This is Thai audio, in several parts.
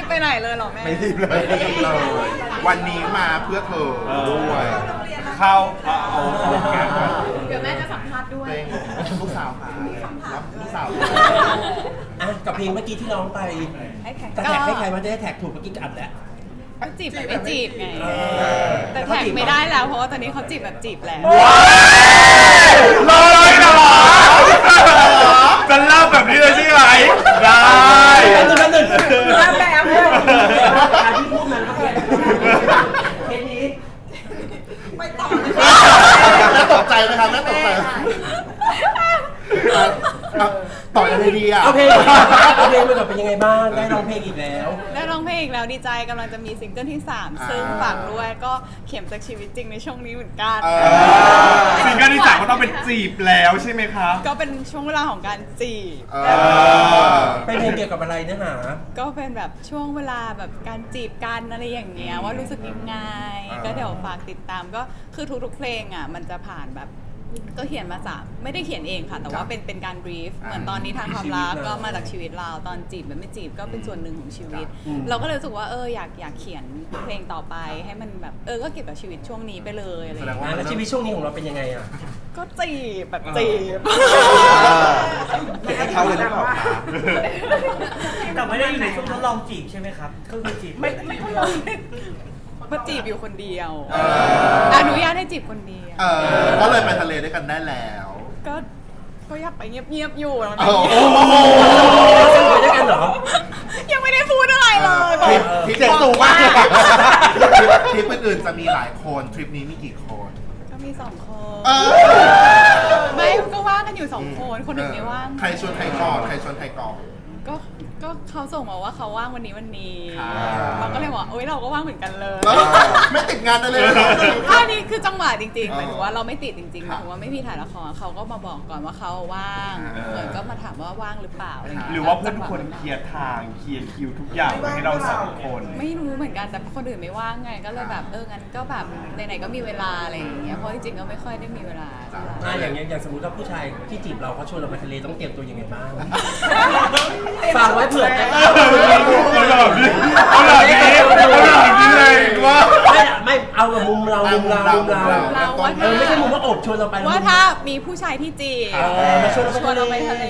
ไปไหนเลยหรอแม่ไม่รีบเลยวันนี้มาเพื่อเธอด้วยเข้าเอาเดี๋ยวแม่จะสัมภาษณ์ด้วยลูกสาวค่ะรับลูกสาวกับเพลงเมื่อกี้ที่ร้องไปแต่แท็กให้ใครมาจะได้แท็กถูกเมื่อกี้อัดแล้วจีบแบบไม่จีบไงแต่แท็กไม่ได้แล้วเพราะว่าตอนนี้เขาจีบแบบจีบแล้วรอเลยเหรอจะเล่าแบบนี้เลยใช่ไหมได้นั่นแบบที่พูดมันก็เคสนี้ไม่ต่อเลยแม่ตกใจไหมครับแม่ตกใจต่อยังไงดีอ่ะโอเคมันจะเป็นยังไงบ้างได้ร้องเพลงอีกแล้วได้ร้องเพลงอีกแล้วดีใจกำลังจะมีซิงเกิลที่3ซึ่งฝากด้วยก็เข็มจากชีวิตจริงในช่วงนี้เหมือนกันซิงเกิลที่3ก็ต้องเป็นจีบแล้วใช่ไหมคะก็เป็นช่วงเวลาของการจีบเป็นเพลงเกี่ยวกับอะไรเนื้อหาก็เป็นแบบช่วงเวลาแบบการจีบกันอะไรอย่างเงี้ยว่ารู้สึกยังไงก็เดี๋ยวฝากติดตามก็คือทุกๆเพลงอ่ะมันจะผ่านแบบก็เขียนมาไม่ได้เขียนเองค่ะแต่ว่าเป็นการบรีฟเหมือนตอนนี้ทางความรักก็มาจากชีวิตเราตอนจีบแบบไม่จีบก็เป็นส่วนหนึ่งของชีวิตเราก็เลยรู้สึกว่าอยากเขียนเพลงต่อไปให้มันแบบก็เกี่ยวกับชีวิตช่วงนี้ไปเลยอะไรอย่างเงี้ยแล้วชีวิตช่วงนี้ของเราเป็นยังไงอ่ะก็จีบแบบจีบให้เขาเลยนะแต่ไม่ได้อยู่ในช่วงทดลองจีบใช่ไหมครับก็คือจีบไม่มาจีบอยู่คนเดียวอนุญาตให้จีบคนเดียวก็เลยไปทะเลด้วยกันได้แล้วก็อยากไปเงียบๆอยู่แล้วไปด้วยกันเหรอยังไม่ได้พูดอะไรเลยทริปเจ็ดสูงมากทริปอื่นๆจะมีหลายคนทริปนี้มีกี่คนก็มี2 คนไม่ก็ว่างกันอยู่2 คนคนอื่นไม่ว่างใครชวนใครก่อนใครชวนใครก่อนก็เขาส่งมาว่าเขาว่างวันนี้เราก็เลยบอกโอ๊ยเราก็ว่างเหมือนกันเลยไม่ติดงานเลยอันนี้คือจังหวะจริงๆหมายถึงว่าเราไม่ติดจริงๆหมายถึงว่าไม่มีถ่ายละครเขาก็มาบอกก่อนว่าเขาว่างเหมือนก็มาถามว่าว่างหรือเปล่าอะไรอย่างเงี้ยหรือว่าเพื่อนคนเคลียร์ทางเคลียร์คิวทุกอย่างให้เรา2 คนไม่รู้เหมือนกันแต่คนอื่นไม่ว่างไงก็เลยแบบงั้นก็แบบไหนๆก็มีเวลาอะไรอย่างเงี้ยเพราะจริงๆก็ไม่ค่อยได้มีเวลาอย่างสมมติว่าผู้ชายที่จีบเราเขาชวนเราไปทะเลต้องเตรียมตัวยังไงบ้างฟังไว้เผื่อเอาแบบนี้เลยว่าไม่เอาแบบมุมเราไม่ใช่มุมว่าอบชวนเราไปว่าถ้ามีผู้ชายที่จีบมาชวนเราไปทะเล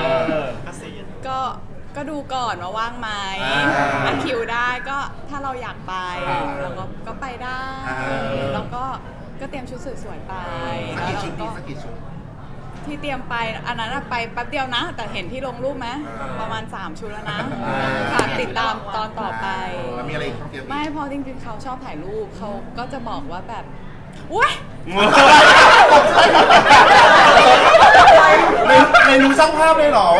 ก็ดูก่อนว่าว่างไหมคิวได้ก็ถ้าเราอยากไปเราก็ไปได้แล้วก็เตรียมชุดสวยๆไปสักกี่ชุดที่เตรียมไปอันนั้นไปแป๊บเดียวนะแต่เห็นที่ลงรูปไหมประมาณ3 ชุดแล้วนะฝากติดตามตอนต่อไปมีอะไรไม่พอจริงๆเขาชอบถ่ายรูปเขาก็จะบอกว่าแบบอุ้ยในรู้ช่างภาพเลยเหรอ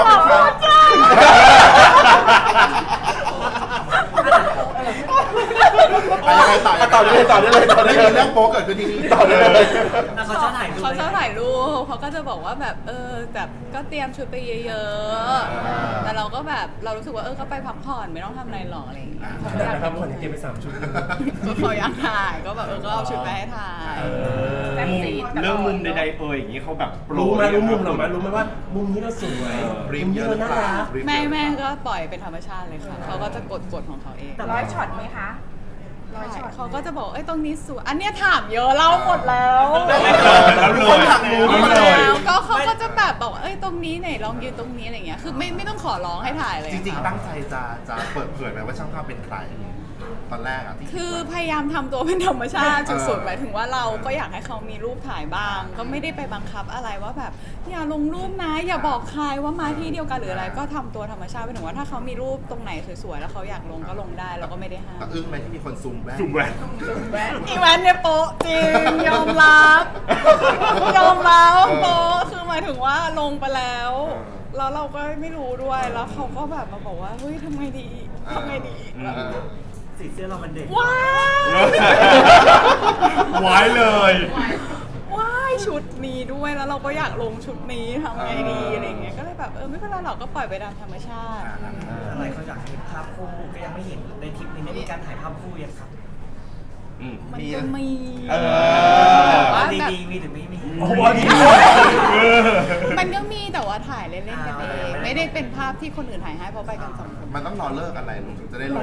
ต่อได้เลยเรื่องโป๊เกิดขึ้นที่นี่ต่อได้เลยเขาชอบถ่ายรูปเขาก็จะบอกว่าแบบแบบก็เตรียมชุดไปเยอะๆแต่เราก็แบบเรารู้สึกว่าก็ไปพักผ่อนไม่ต้องทำอะไรหรอกอะไรอย่างเงี้ยเขาอยากพักผ่อนเตรียมไป3 ชุดเขาอยากถ่ายก็แบบก็เอาชุดไปให้ถ่ายเรื่องมุมใดๆอย่างนี้เขาแบบรู้มุมหรอมั้ยรู้ไหมว่ามุมนี้เราสวยมุมนี้เราน่ารักแม่ก็ปล่อยเป็นธรรมชาติเลยค่ะเขาก็จะกดของเขาเองแต่100 ช็อตไหมคะเขาก็จะบอกตรงนี้สวยอันเนี้ยถามเยอะเล่าหมดแล้วคนถามรู้แล้วก็เขาก็จะแบบบอกตรงนี้ไหนลองยืนตรงนี้อะไรเงี้ยคือไม่ต้องขอร้องให้ถ่ายเลยจริงๆตั้งใจจะเปิดเผยไหมว่าช่างภาพเป็นใครตอนแรกคือพยายามทำตัวเป็นธรรมชาติสุดๆหมายถึงว่าเราก็อยากให้เขามีรูปถ่ายบ้างก็ไม่ได้ไปบังคับอะไรว่าแบบอย่าลงรูปนะอย่าบอกใครว่ามาที่เดียวกันหรืออะไรก็ทำตัวธรรมชาติหมายถึงว่าถ้าเขามีรูปตรงไหนสวยๆแล้วเขาอยากลงก็ลงได้เราก็ไม่ได้ห้ามอึ้งไหมที่มีคนซูมแว่นอีแวนเนี่ยโป๊ะจริงยอมรับโป๊ะคือหมายถึงว่าลงไปแล้วเราก็ไม่รู้ด้วยแล้วเขาก็แบบมาบอกว่าเฮ้ยทำไงดีสีเสื้อเรามันเด็กว้ายเลยว้ายชุดนี้ด้วยแล้วเราก็อยากลงชุดนี้ทำไงดีอะไรเงี้ยก็เลยแบบไม่เป็นไรหรอกก็ปล่อยไปตามธรรมชาติอะไรเขาอยากเห็นภาพคู่ก็ยังไม่เห็นในทริปนี้มีการถ่ายภาพคู่ยังครับมันก็มีว่าดีมีหรือไม่มีมันก็มีแต่ว่าถ่ายเล่นๆกันเองไม่ได้เป็นภาพที่คนอื่นถ่ายให้เพราะไปกัน2 คนมันต้องรอเลิกอะไรถึงจะได้ลงได้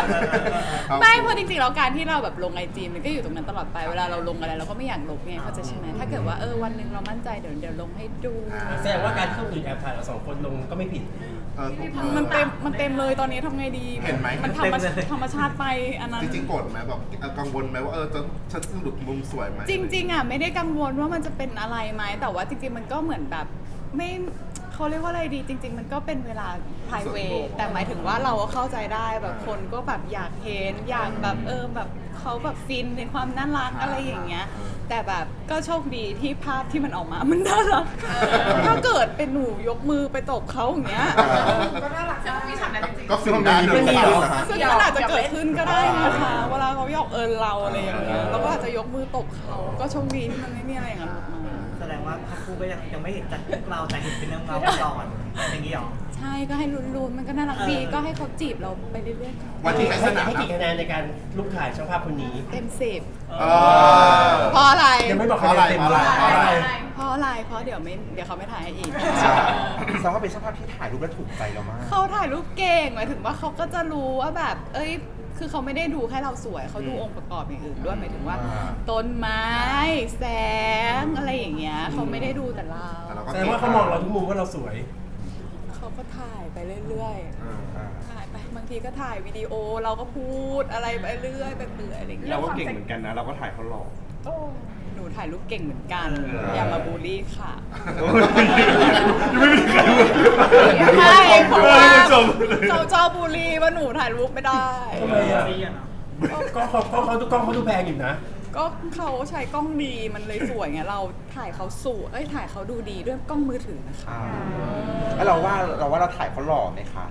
ไม่เพราะจริงๆแล้วการที่เราแบบลงไอจีมันก็อยู่ตรงนั้นตลอดไปเวลาเราลงอะไรเราก็ไม่อยากลบไงเข้าใจใช่ไหมถ้าเกิดว่าวันหนึ่งเรามั่นใจเดี๋ยวลงให้ดูแสดงว่าการที่คนอื่นแอบถ่ายเราสองคนลงก็ไม่ผิดมันเต็มเลยตอนนี้ทำไงดีเห็นไหมมันธรรมชาติไปอันนั้นจริงๆโกรธไหมแบบกังวลไหมว่าจะฉันสรุปมุมสวยไหมจริงๆอ่ะไม่ได้กังวลว่ามันจะเป็นอะไรไหมแต่ว่าจริงๆมันก็เหมือนแบบไม่เขาเรียกว่าอะไรดีจริง ๆ มันก็เป็นเวลา private แต่หมายถึงว่าเราก็เข้าใจได้แบบคนก็แบบอยากเห็นอยากแบบแบบเขาแบบฟินในความน่ารักอะไรอย่างเงี้ยแต่แบบก็โชคดีที่ภาพที่มันออกมามันน่ารักถ้าเกิดเป็นหนูยกมือไปตบเขาอย่างเงี้ยก็น่ารักจะมีฉากนั้นจริงก็ฟิลได้ไม่มีหรอซึ่งมันอาจจะเกิดขึ้นก็ได้นะคะเวลาเขาหยอกเราอะไรอย่างเงี้ยเราก็อาจจะยกมือตบเขาก็โชคดีที่มันไม่มีอะไรอย่างนั้นออกมาแสดงว่าภาพคู่ก็ยังไม่เห็นจากพวกเราแต่เห็นเป็นเงาก่อนอย่างนี้หรอใช่ก็ให้ลุ้นๆมันก็น่ารักดีก็ให้เขาจีบเราไปเรื่อยๆวันที่ในสนามให้กี่คะแนนในการลูกถ่ายช่างภาพคนนี้เต็ม10 เออเพราะอะไรยังไม่บอกคะแนนเต็มเลยเพราะอะไรเพราะอะไรเพราะเดี๋ยวเขาไม่ถ่ายให้อีกแสดงว่าเป็นช่างภาพที่ถ่ายรูปแล้วถูกใจเรามากเขาถ่ายรูปเก่งหมายถึงว่าเขาก็จะรู้ว่าแบบคือเขาไม่ได้ดูแค่เราสวยเขาดูองค์ประกอบอย่างอื่นด้วยหมายถึงว่า ต้นไม้แสงอะไรอย่างเงี้ยเขาไม่ได้ดูแต่เราแสดงว่าเขามองเราทุกมุมว่าเราสวยเขาก็ถ่ายไปเรื่อยๆถ่ายไปบางทีก็ถ่ายวิดีโอเราก็พูดอะไรไปเรื่อยไปเปื่อยอะไรอย่างเงี้ยเราก็เก่งเหมือนกันนะ เราก็ถ่ายเขาหล่อหนูถ่ายรูปเก่งเหมือนกันเอออย่ามาบูลลี่ค่ะไม่มีใครรู้ใช่เพราะว่าคุณผู้ชมเขาชอบบูลลี่ว่าหนูถ่ายรูปไม่ได้ทำไมอ่ะก็เขาดูกล้องเขาดูแพงอยู่นะก็เขาใช้กล้องดีมันเลยสวยไงเราถ่ายเขาสวยถ่ายเขาดูดีด้วยกล้องมือถือนะคะแล้วเราว่าเราถ่ายเขาหล่อไหมคะ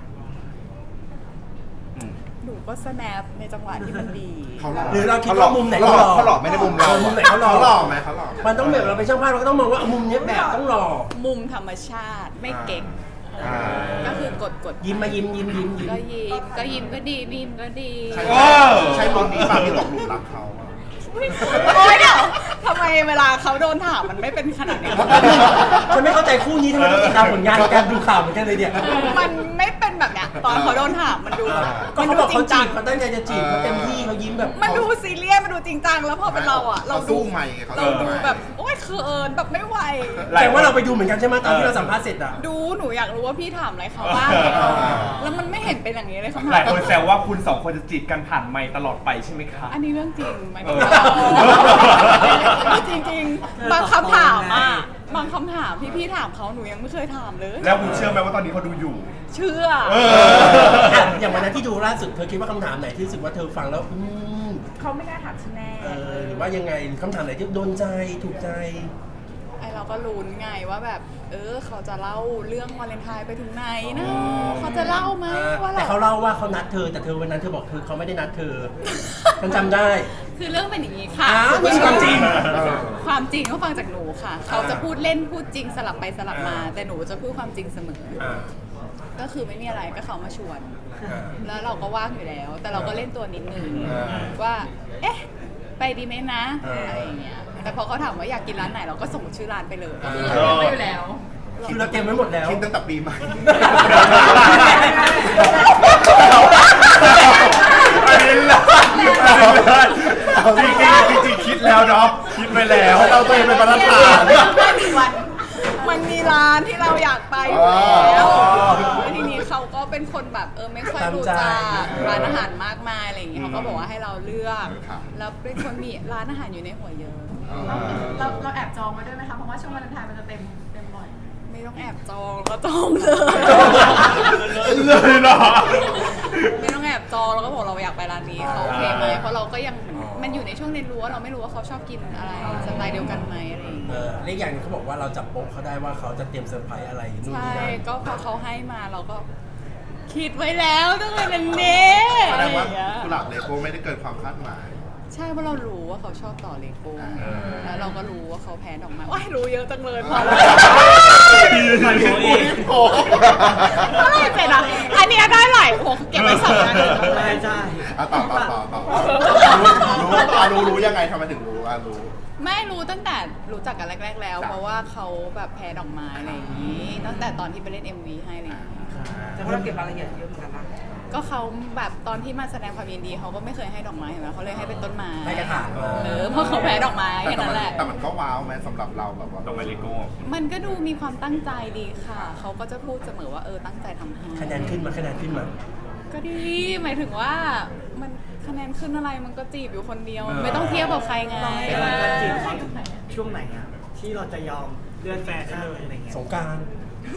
หนูก็สแนปในจังหวะที่มันดีเขาหล่อหรือเราคิดว่ามุมไหนเขาหล่อเขาหล่อไม่ได้มุมเรามุมไหนเขาหล่อเขาหล่อไหมเขาหล่อไหมมันต้องแบบเราเป็นช่างภาพเราก็ต้องมองว่ามุมเนี้ยแบบต้องหล่อมุมธรรมชาติไม่เก่ง ก็คือกดยิ้มมายิ้มก็ยิ้มก็ดียิ้มก็ดีใช่มุมนี้ป่ะที่ตกหลุมรักเขาอะโอ๊ยเดี๋ยวทำไมเวลาเขาโดนถามมันไม่เป็นขนาดนี้ฉันไม่เข้าใจคู่นี้ทำไมต้องติดตามผลงานการดูข่าวเหมือนกันเลยเนี่ยมันไม่เป็นแบบเนี้ยตอนเขาโดนถามมันดูแบบก็เขาบอกเขาจีบเขาตั้งใจจะจีบเขาเต็มที่เขายิ้มแบบมันดูซีเรียสมันดูจริงจังแล้วพอเป็นเราอ่ะเขาสู้ใหม่เขาเราสู้ดูใหม่แบบโอ๊ยเขินแบบไม่ไหวแต่ว่าเราไปดูเหมือนกันใช่ไหมตอนที่เราสัมภาษณ์เสร็จอ่ะดูหนูอยากรู้ว่าพี่ถามอะไรเขาบ้างแล้วมันไม่เห็นเป็นอย่างนี้เลยคำถามหลายคนแซวว่าคุณสองคนจะจีบกันผ่านไมค์ตลอดไปใช่ไหมคะอันนี้เรื่องจริงไหมเออจริงๆบางคำถามอ่ะบางคำถามพี่ถามเขาหนูยังไม่เคยถามเลยแล้วคุณเชื่อไหมว่าตอนนี้เขาดูอยู่เชื่ออย่างวันนั้นที่ดูล่าสุดเธอคิดว่าคำถามไหนที่รู้สึกว่าเธอฟังแล้วเขาไม่น่าถามฉันแน่หรือว่ายังไงคำถามไหนที่โดนใจถูกใจไอเราก็ลุ้นไงว่าแบบเขาจะเล่าเรื่องวาเลนไทน์ไปถึงไหนนะเขาจะเล่าไหมว่าแต่เขาเล่าว่าเขานัดเธอแต่เธอวันนั้นเธอบอกเขาไม่ได้นัดเธอฉันจำได้คือเรื่องเป็นอย่างนี้ค่ะอ้าวนี่ความจริงความจริงเขาฟังจากหนูค่ะ เขาจะพูดเล่นพูดจริงสลับไปสลับมา แต่หนูจะพูดความจริงเสมอ ก็คือไม่มีอะไรก็เขามาชวน แล้วเราก็ว่างอยู่แล้ว แต่เราก็เล่นตัวนิดนึงว่า เอ๊ะ ไปดีไหมนะอะไรอย่างเงี้ย แต่พอเขาถามว่าอยากกินร้านไหนเราก็ส่งชื่อร้านไปเลยไม่อยู่แล้วคือเราเตรียมไว้หมดแล้วคิดตั้งแต่ปีใหม่อันนี้ละจริงคิดแล้วเนาะคิดไปแล้วเราตัวเองเป็นประธานมันมีร้านที่เราอยากไปอยู่แล้วแล้วทีนี้เขาก็เป็นคนแบบไม่ค่อยรู้จักร้านอาหารมากมายอะไรอย่างเงี้ยเขาก็บอกว่าให้เราเลือก แล้วเป็นคนมีร้านอาหารอยู่ในหัวเยอะเราแอบจองไว้ด้วยไหมคะ เพราะว่าช่วงวาเลนไทน์มันจะเต็มบ่อยไม่ต้องแอบจองก็จองเลยเลยเหรอไม่ต้องแอบจองแล้วก็บอกเราอยากไปร้านนี้เขาโอเคไหมเพราะเราก็ยังมันอยู่ในช่วงเรียนรู้ว่าเราไม่รู้ว่าเขาชอบกินอะไรสไตล์เดียวกันไหมอะไรอย่างเงี้ยเรื่องอย่างนึงเขาบอกว่าเราจับโป๊ะเขาได้ว่าเขาจะเตรียมเซอร์ไพรส์อะไรนู่นใช่นี่นั่นก็พอเขาให้มาเราก็คิดไว้แล้วต้องเป็นเนี้แสอะไรดงอว่าย่างเงี้ยกุหลาบเลโก้ไม่ได้เกินความคาดหมายใช่เพราะเรารู้ว่าเขาชอบต่อเลโก้แล้วเราก็รู้ว่าเขาแพ้ดอกไม้ว้ายรู้เยอะจังเลยพอแล้วอะไรเป็นอ่ะอันเนี้ยได้หลายโอ้เก็บไว้สองอันใช่ต่อรู้ยังไงทำไมถึงรู้รู้ไม่รู้ตั้งแต่รู้จักกันแรก ๆ แล้ว เพราะว่าเขาแบบแพ้ดอกไม้อะไรอย่างนี้ตั้งแต่ตอนที่ไปเล่น MV ให้อะไรอย่างงี้แต่ว่าเราเก็บรายละเอียดเยอะเหมือนกันนะก็เขาแบบตอนที่มาแสดงความยินดีเขาก็ไม่เคยให้ดอกไม้เห็นไหมเขาเลยให้เป็นต้นไม้ให้กระถางมาเพราะเขาแพ้ดอกไม้แค่นั้นแหละแต่มันก็ว้าวไหมสำหรับเราแบบว่าดอกไม้เลโก้มันก็ดูมีความตั้งใจดีค่ะ เขาก็จะพูดเสมอว่าตั้งใจทำให้คะแนนขึ้นมาก็ดีหมายถึงว่ามันคะแนนขึ้นอะไรมันก็จีบอยู่คนเดียว ไม่ต้องเทียบกับใครไงเราให้การจีบเขาถึงช่วงไหนอะที่เราจะยอมเลื่อนแฟนได้เลยอะไรเงี้ยสงกรานต์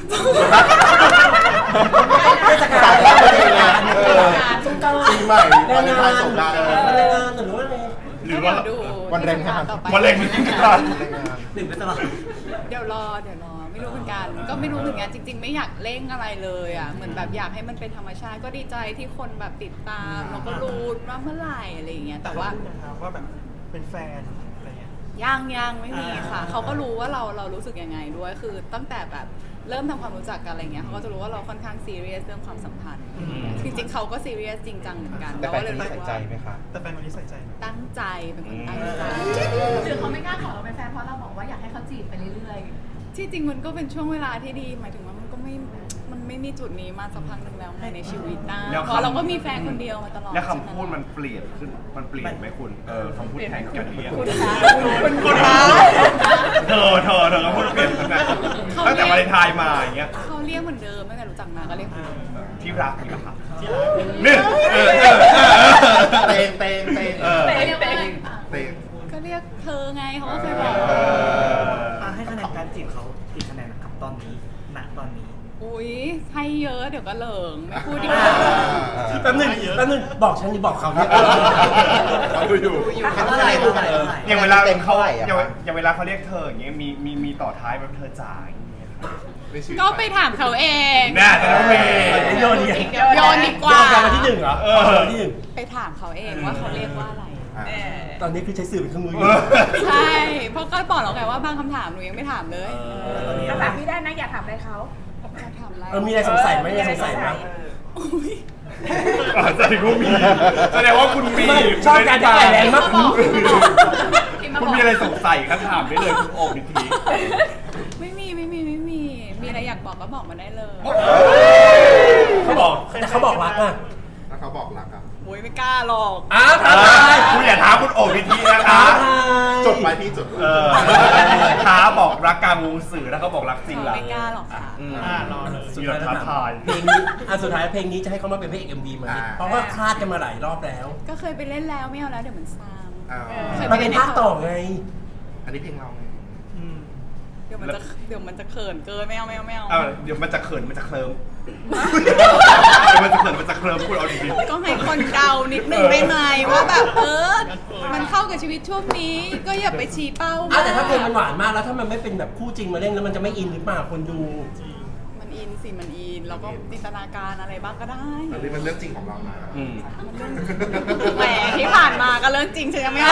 เทศกาลแล้วมันเป็นงานสงกรานต์ปีใหม่แรงงานสงกรานต์แรงงานหรือว่าอะไรหรือว่าก็เดี๋ยดูวันแรงงานต่อไปวันแรงงานหนึ่งไปตลอดเดี๋ยวรอไม่รู้เหมือนกัน ก็ไม่รู้เหมือนกันจริง ๆ ไม่อยากเร่งอะไรเลยอ่ะเหมือนแบบอยากให้มันเป็นธรรมชาติก็ดีใจที่คนแบบติดตามแล้วก็รู้ว่าเมื่อไหร่อะไรอย่างเงี้ยแต่ว่าว่าแบบเป็นแฟนอะไรเงี้ยยังไม่มีค่ะ เขาก็รู้ว่าเรารู้สึกยังไงด้วย คือตั้งแต่แบบเริ่มทำความรู้จักกันอะไรเงี้ยเขาก็จะรู้ว่าเราค่อนข้างซีเรียสเรื่องความสัมพันธ์จริงๆเขาก็ซีเรียสจริงจังเหมือนกันแต่แฟนเราคนก็นี้เลยใส่รู้ใจว่าไหมคะแต่แฟนคนนี้ใส่ใจไหมตั้งใจเป็นคนตั้งใจหรือเขาไม่กล้าขอเราเป็นแฟนเพราะเราบอกว่าอยากให้เขาจีบไปเรื่อยที่จริงมันก็เป็นช่วงเวลาที่ดี หมายถึงว่ามันไม่มีจุดนี้มาสักพักหนึ่งแล้วในชีวิตนะแล้วเพราะเราก็มีแฟนคนเดียวมาตลอดแล้วคำพูดมันเปลี่ยนขึ้น มันเปลี่ยนไหมคุณคำพูดแทนกันเรียนคุณคะคุณคะเธอคำพูดเปลี่ยนขึ้นนะตั้งแต่วาเลนไทน์มาอย่างเงี้ยเขาเรียกเหมือนเดิมตั้งแต่รู้จักมาก็เรียกเหมือนเดิมที่รักนี่นะครับนี่เตงๆไปเรื่อยๆเตงก็เรียกเธอไงเขาก็เคยบอกให้คะแนนการจีบเขากี่คะแนนนะครับตอนนี้ณตอนนี้อุ้ยให้เยอะเดี๋ยวก็เหลิงไม่พูดดีกว่าแป๊บนึงบอกฉันนี่บอกเขาเนี่ยเขาอยู่เท่าไหร่เท่าไหร่อย่างเวลาเต็มเขาเท่าไหร่อะอย่างเวลาเขาเรียกเธออย่างเงี้ยมีต่อท้ายแบบเธอจ๋าอย่างเงี้ยก็ไปถามเขาเองน่าจะต้องมีโยนดีโยนดีกว่าโยนกันมาที่หนึ่งเหรอวันที่หนึ่งไปถามเขาเองว่าเขาเรียกว่าอะไรตอนนี้คือใช้สื่อเป็นเครื่องมืออยู่ใช่ เพราะก็บอกแล้วไงว่าบางคำถามหนูยังไม่ถามเลยถ้าถามพี่ได้นะอยากถามอะไรเขาจะถามอะไรมีอะไรสงสัยไหมมีอะไรสงสัยไหมอุ๊ยแสดงว่ามีแสดงว่าคุณมีชอบการจะแรงมากคุณมีอะไรสงสัยก็ถามได้เลยคุณโอบนิทีไม่มีมีอะไรอยากบอกก็บอกมาได้เลยเขาบอกแต่เขาบอกรักอ่ะแล้วเขาบอกรักอ่ะโอ้ยไม่กล้าหรอกอ้าวท้าทายคุณอย่าท้าคุณโอบนิทีนะคะจดไปพี่จดท้าบอกรักกลางวงสื่อแล้วเขาบอกรักจริงเออล่ะไม่กล้าหรอกค่ะรอเลยสุดท้ายแล้วท้าทายเพลงนี้สุดท้ายเพลงนี้จะให้เขามาเป็นพระเอก MV ไหมเพราะว่าคาดกันมาหลายรอบแล้วก็เคยไปเล่นแล้วไม่เอาแล้วเดี๋ยวมันซ้ำมันเป็นภาคต่อไงอันนี้เพลงเราไงเดี๋ยวมันจะเขินเกินไม่เอาเดี๋ยวมันจะเขินมันจะเคลิ้มมันจะเขินมันจะเคลิ้มพูดเอาดีก็ให้คนเดานิดนึงได้ไหมว่าแบบมันเข้ากับชีวิตช่วงนี้ ก็อย่าไปชี้เป้าแต่ถ้าเพลงมันหวานมากแล้วถ้ามันไม่เป็นแบบคู่จริงมาเล่นแล้วมันจะไม่อินหรือเปล่าคนดูมันอินสิมันอินแล้วก็จินตนาการอะไรบ้างก็ได้อันนี้มันเรื่องจริงของเรานะแหมที่ผ่านมาก็เรื่องจริงฉันยังไม่เอา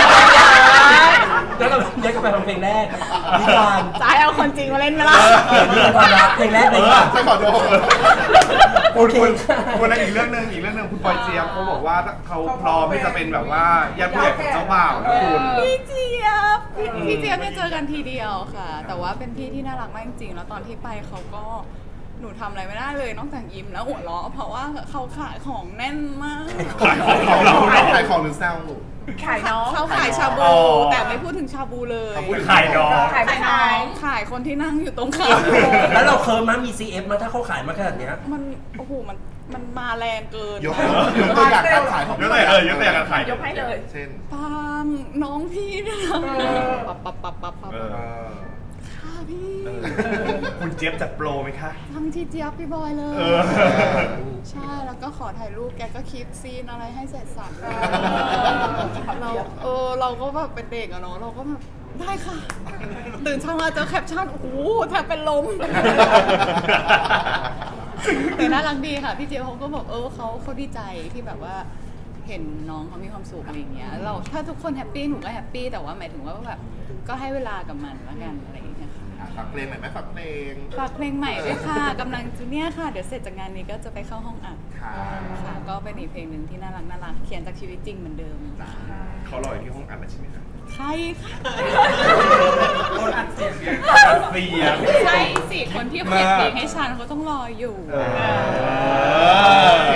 แล้วก็ย้ายกลับไปทำเพลงแรกนิทานจะให้เอาคนจริงมาเล่นไหมล่ะนิทานความรักเพลงแรกเลยค่ะใช่ขอโทษคุณอีกเรื่องหนึ่งคุณปอยเจี๊ยบเขาบอกว่าเขาพร้อมที่จะเป็นแบบว่าญาติผู้ใหญ่ของเจ้าบ่าวนะคุณพี่เจี๊ยบเนี่ยเจอกันทีเดียวค่ะ แต่ว่าเป็นพี่ที่น่ารักมากจริงๆแล้วตอนที่ไปเขาก็หนูทำอะไรไม่ได้เลยนอกจากยิ้มแล้วหัวเราะเพราะว่าเขาขายของแน่นมากขายของเราขายของหรือแซวขายน้องเขาขายชาบู แต่ไม่พูดถึงชาบูเลยเขาพูดขายน้องขายน้องขายคนที่นั่งอยู่ตรงข้ามแล้วเราเคิร์มมั้ยมี CF มาถ้าเขาขายมาขนาดเนี้ยมันโอ้โหมันมาแรงเกินยกตัวอย่างการขายของยกตัวอย่างการขายยกให้เลยเช่นปังน้องพี่เนะปับค่ะพี่คุณเจี๊ยบจัดโปรไหมคะทั้งที่เจี๊ยบพี่บอยเลยเออใช่แล้วก็ขอถ่ายรูปแกก็คิดซีนอะไรให้เสร็จสับเราก็แบบเป็นเด็กอะเนาะเราก็แบบได้ค่ะ ตื่นเช้ามาเจอแคปชั่นโอ้โหแทบเป็นลม แต่น่ารักดีค่ะพี่เจี๊ยบเขาก็บอกเขาดีใจที่แบบว่าเห็นน้องเขามีความสุขอะไรอย่างเงี้ยเราถ้าทุกคนแฮปปี้หนูก็แฮปปี้แต่ว่าหมายถึงว่าแบบก็ให้เวลากับมันแล้วกันอะไรอย่างเงี้ยค่ะฝากเพลงหน่อยไหมฝากเพลงฝากเพลงใหม่ด้วยค่ะกำลังจูเนี่ยค่ะเดี๋ยวเสร็จจากงานนี้ก็จะไปเข้าห้องอัดค่ะค่ะก็เป็นอีกเพลงหนึ่งที่น่ารักเขียนจากชีวิตจริงเหมือนเดิมเขารออยู่ที่ห้องอัดแล้วใช่ไหมครับใช่ค่ะอัดเสียงใช่สิคนที่เขียนเพลงให้ฉันเขาต้องรออยู่เออ